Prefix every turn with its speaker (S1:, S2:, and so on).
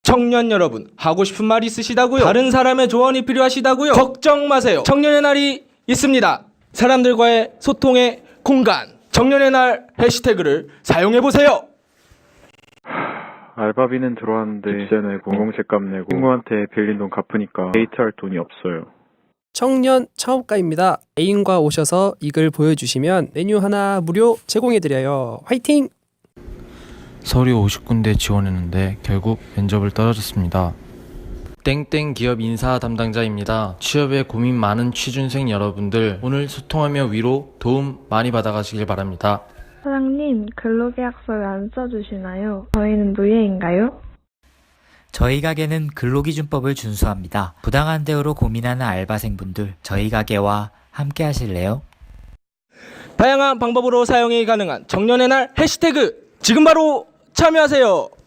S1: 청년 여러분, 하고 싶은 말 있으시다고요? 다른 사람의 조언이 필요하시다고요? 걱정 마세요. 청년의 날이 있습니다. 사람들과의 소통의 공간, 청년의 날 해시태그를 사용해보세요.
S2: 알바비는 들어왔는데 집세 내고 공공세값 내고 친구한테 빌린 돈 갚으니까 데이트할 돈이 없어요.
S3: 청년 창업가입니다. 애인과 오셔서 이 글 보여주시면 메뉴 하나 무료 제공해드려요. 화이팅!
S4: 서류 50군데 지원했는데 결국 면접을 떨어졌습니다. 땡땡 기업 인사 담당자입니다. 취업에 고민 많은 취준생 여러분들, 오늘 소통하며 위로 도움 많이 받아가시길 바랍니다.
S5: 사장님, 근로계약서 왜 안 써주시나요? 저희는 노예인가요?
S6: 저희 가게는 근로기준법을 준수합니다. 부당한 대우로 고민하는 알바생분들, 저희 가게와 함께 하실래요?
S1: 다양한 방법으로 사용이 가능한 청년의 날 해시태그, 지금 바로 참여하세요.